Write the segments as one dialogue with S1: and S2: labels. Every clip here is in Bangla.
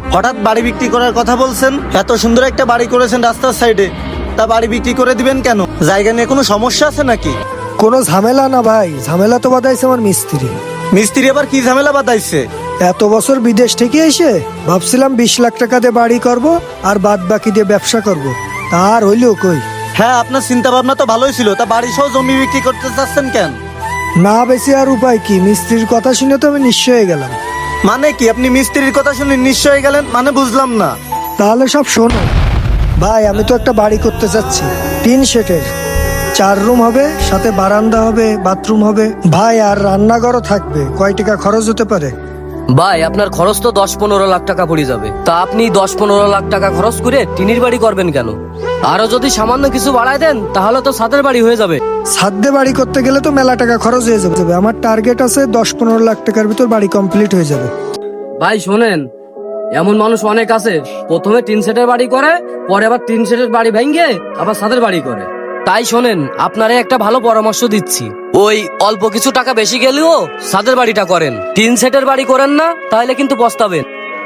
S1: হঠাৎ বাড়ি বিক্রি করার কথা বলছেন? এত সুন্দর একটা বাড়ি করেছেন রাস্তার সাইডে, তা বাড়ি বিক্রি করে দিবেন কেন? জায়গা নিয়ে কোনো সমস্যা আছে নাকি?
S2: কোনো ঝামেলা না ভাই, ঝামেলা তো বাঁধাইছে আমার মিস্ত্রি।
S1: মিস্ত্রি আবার কি ঝামেলা বাতাইছে?
S2: এত বছর বিদেশ থেকে এসে ভাবছিলাম 20 লাখ টাকা দিয়ে বাড়ি করব আর বাদ বাকি দিয়ে ব্যবসা করব, তার হইলেও কই।
S1: হ্যাঁ, আপনার চিন্তা ভাবনা তো ভালোই ছিল, তা বাড়ি সহ জমি বিক্রি করতে চাচ্ছেন কেন?
S2: না বেশি আর উপায় কি, মিস্ত্রির কথা শুনে তো আমি নিঃস্ব হয়ে গেলাম।
S1: মানে কি, আপনি মিস্ত্রির কথা শুনে নিঃস্ব হয়ে গেলেন? মানে বুঝলাম না।
S2: তাহলে সব শোনো ভাই, আমি তো একটা বাড়ি করতে চাচ্ছি, 3 সেটের, 4 রুম হবে, সাথে বারান্দা হবে, বাথরুম হবে ভাই, আর রান্নাঘরও থাকবে। কয় টাকা খরচ হতে পারে?
S3: ভাই আপনার খরচ তো 10-15 লাখ টাকা পড়ে যাবে। তা আপনি 10-15 লাখ টাকা খরচ করে টিনির বাড়ি করবেন কেন? আরো যদি সামান্য কিছু বাড়ায় দেন তাহলে তো ছাদের বাড়ি হয়ে যাবে।
S2: ছাদে বাড়ি করতে গেলে তো মেলা টাকা খরচ হয়ে যাবে। আমার টার্গেট আছে 10-15 লাখ টাকার ভিতর বাড়ি কমপ্লিট হয়ে যাবে।
S3: ভাই শোনেন, এমন মানুষ অনেক আছে, প্রথমে 3 সেটের বাড়ি করে, পরে আবার 3 সেটের বাড়ি ভেঙে আবার ছাদের বাড়ি করে। তাই শোনেন, আপনারে একটা ভালো পরামর্শ দিচ্ছি, ওই অল্প কিছু টাকা বেশি গেলেও ছাদের বাড়িটা করেন। 3 সেটের বাড়ি করেন না, তাহলে কিন্তু পস্তাবেন।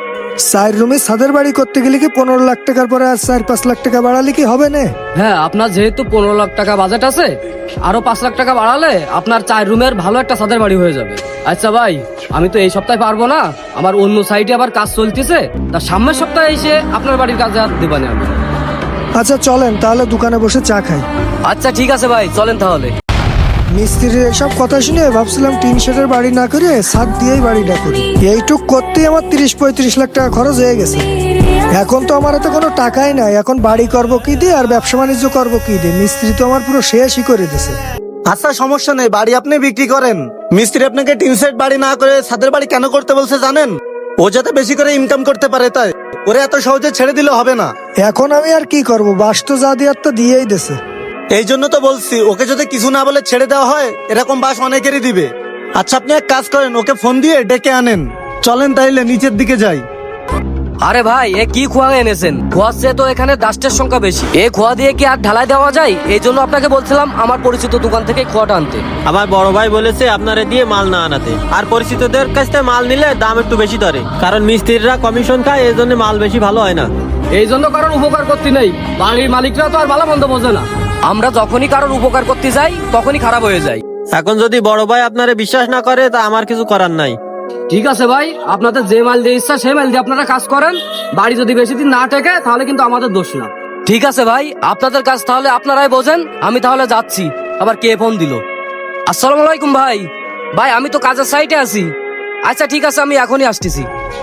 S2: 4 রুমে ছাদের বাড়ি করতে গেলে কি 15 লাখ টাকার পরে আর 4-5 লাখ টাকা বাড়ালে কি হবে না?
S3: হ্যাঁ, আপনার যেহেতু 15 লাখ টাকা বাজেট আছে, আরো 5 লাখ টাকা বাড়ালে আপনার 4 রুমের ভালো একটা ছাদের বাড়ি হয়ে যাবে। আচ্ছা ভাই, আমি তো এই সপ্তাহে পারবো না, আমার অন্য সাইডে আবার কাজ চলতেছে, তা সামনের সপ্তাহে এসে আপনার বাড়ির কাজে হাত দেবানি আমি।
S2: আচ্ছা চলেন তাহলে দোকানে বসে চা খাই।
S3: আচ্ছা ঠিক আছে ভাই, চলেন তাহলে।
S2: মিস্ত্রির এসব কথা শুনে ভাবছিলাম 3 সেটের বাড়ি না করে ছাদ দিয়েই বাড়িটা করি। এইটুক করতেই আমার 30-35 লাখ টাকা খরচ হয়ে গেছে। এখন তো আমার হাতে কোনো টাকাই নাই, এখন বাড়ি করব কি দিয়ে আর ব্যবসা বাণিজ্য করবো কি দিয়ে? মিস্ত্রি তো আমার পুরো শেষই করে দিয়েছে।
S1: আচ্ছা সমস্যা নেই, বাড়ি আপনি বিক্রি করেন। মিস্ত্রি আপনাকে 3 সেট বাড়ি না করে ছাদের বাড়ি কেন করতে বলছে জানেন? ও যাতে বেশি করে ইনকাম করতে পারে, তাই। ওরে এত সহজে ছেড়ে দিলে হবে না।
S2: এখন আমি আর কি করব, বাস তো যা দেওয়ার তো দিয়েই দিয়েছে।
S1: এই জন্য তো বলছি, ওকে যদি কিছু না বলে ছেড়ে দেওয়া হয়, এরকম বাস অনেকেরই দিবে। আচ্ছা আপনি এক কাজ করেন, ওকে ফোন দিয়ে ডেকে আনেন। চলেন তাইলে নিচের দিকে যাই।
S3: আরে ভাই, এ কি খোয়া এনেছেন? খোয়ার চেয়ে তো এখানে ডাস্টের সংখ্যা বেশি। এই খোয়া দিয়ে কি আর ঢালাই দেওয়া যায়? এই জন্য আপনাকে বলছিলাম আমার পরিচিত দোকান থেকে খোয়াটা আনতে।
S4: আমার বড় ভাই বলেছে আপনারে দিয়ে মাল না আনাতে, আর পরিচিতদের কাছ থেকে মাল নিলে দাম একটু বেশি ধরে, কারণ মিস্ত্রিরা কমিশন খায়, এই জন্য মাল বেশি ভালো হয় না।
S3: এই জন্য কারোর উপকার করতে নেই, বাড়ির মালিকরা তো আর ভালো মন্দ বোঝে না। আমরা যখনই কারোর উপকার করতে যাই তখনই খারাপ হয়ে যায়।
S4: এখন যদি বড় ভাই আপনারে বিশ্বাস না করে, তা আমার কিছু করার নাই।
S3: ঠিক আছে ভাই, আপনাদের যে মাল দিয়ে ইচ্ছা সেই মাল দিয়ে আপনারা কাজ করেন। বাড়ি যদি বেশি দিন না টেকে তাহলে কিন্তু আমাদের দোষ না। ঠিক আছে ভাই, আপনাদের কাজ তাহলে আপনারাই বোঝেন। আমি তাহলে যাচ্ছি। আবার কে ফোন দিল? আসসালামু আলাইকুম ভাই। ভাই আমি তো কাজের সাইটে আছি। আচ্ছা ঠিক আছে, আমি এখনই আসতেছি।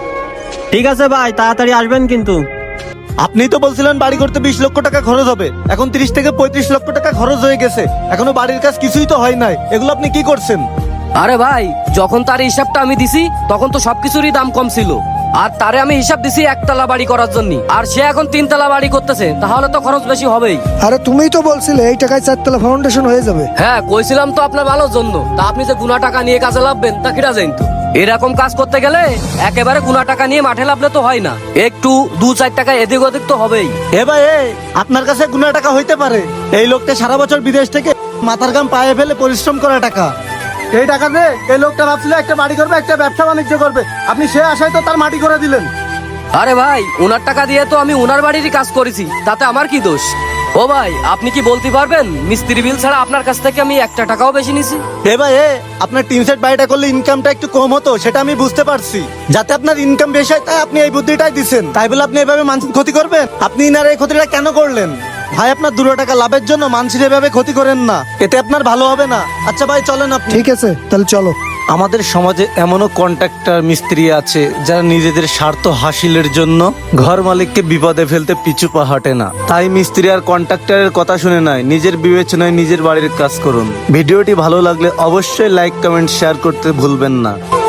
S4: ঠিক আছে ভাই, তাড়াতাড়ি আসবেন কিন্তু।
S1: আপনি তো বলছিলেন বাড়ি করতে 20 লক্ষ টাকা খরচ হবে, এখন 30 থেকে 35 লক্ষ টাকা খরচ হয়ে গেছে, এখনো বাড়ির কাজ কিছুই তো হয় নাই। এগুলো আপনি কি করছেন?
S3: আরে ভাই, যখন তার হিসাবটা আমি দিছি তখন তো সবকিছুরই দাম কম ছিল, আর তারে আমি হিসাব দিছি 1 তলা বাড়ি করার জন্য, আর সে এখন 3 তলা বাড়ি করতেছে, তাহলে তো খরচ বেশি হবেই।
S2: আরে তুমিই তো বলছিলে এই টাকায় 4 তলা ফাউন্ডেশন হয়ে যাবে।
S3: হ্যাঁ কইছিলাম তো আপনার ভালোর জন্য। তা আপনি যে গুনা টাকা নিয়ে কাজে লাভবেন তা কিরা জানেন তো? এরকম কাজ করতে গেলে একেবারে গুনা টাকা নিয়ে মাঠে লাভলে তো হয় না, একটু 2-4 টাকা এদিক ওদিক তো হবেই।
S1: এ ভাই, আপনার কাছে গুনা টাকা হইতে পারে, এই লোকটা সারা বছর বিদেশ থেকে মাথার গাম পায়ে ফেলে পরিশ্রম করা টাকা। এই টাকা দিয়ে এই লোকটা ভাবছিল একটা বাড়ি করবে, একটা ব্যবসা বাণিজ্য করবে, আপনি সে আশায় তো তার মাটি করে দিলেন।
S3: আরে ভাই, ওনার টাকা দিয়ে তো আমি ওনার বাড়িরই কাজ করেছি, তাতে আমার কি দোষ? ও ভাই, আপনি কি বলতে পারবেন মিস্ত্রি বিল ছাড়া আপনার কাছ থেকে আমি 1 টাকাও বেশি নিছি?
S1: এ ভাই, আপনার 3 সেট বাড়িটা করলে ইনকামটা একটু কম হতো, সেটা আমি বুঝতে পারছি। যাতে আপনার ইনকাম বেশি হয় তাই আপনি এই বুদ্ধিটাই দিচ্ছেন, তাই বলে আপনি এভাবে মানুষের ক্ষতি করবেন? আপনি ইনার এই ক্ষতিটা কেন করলেন? ভাই আপনার 2 টাকা লাভের জন্য মানুষের এভাবে ক্ষতি করেন না, এতে আপনার ভালো হবে না। আচ্ছা ভাই চলেন আপনি।
S2: ঠিক আছে তাহলে চলো।
S1: আমাদের সমাজে এমনও কন্ট্রাক্টর মিস্ত্রি আছে যারা নিজেদের স্বার্থ হাসিলের জন্য ঘর মালিককে বিপদে ফেলতে পিছু পা হটে না। তাই মিস্ত্রি আর কন্ট্রাক্টরের কথা শুনে নয়, নিজের বিবেচনায় নিজের বাড়ির কাজ করুন। ভিডিওটি ভালো লাগলে অবশ্যই লাইক, কমেন্ট, শেয়ার করতে ভুলবেন না।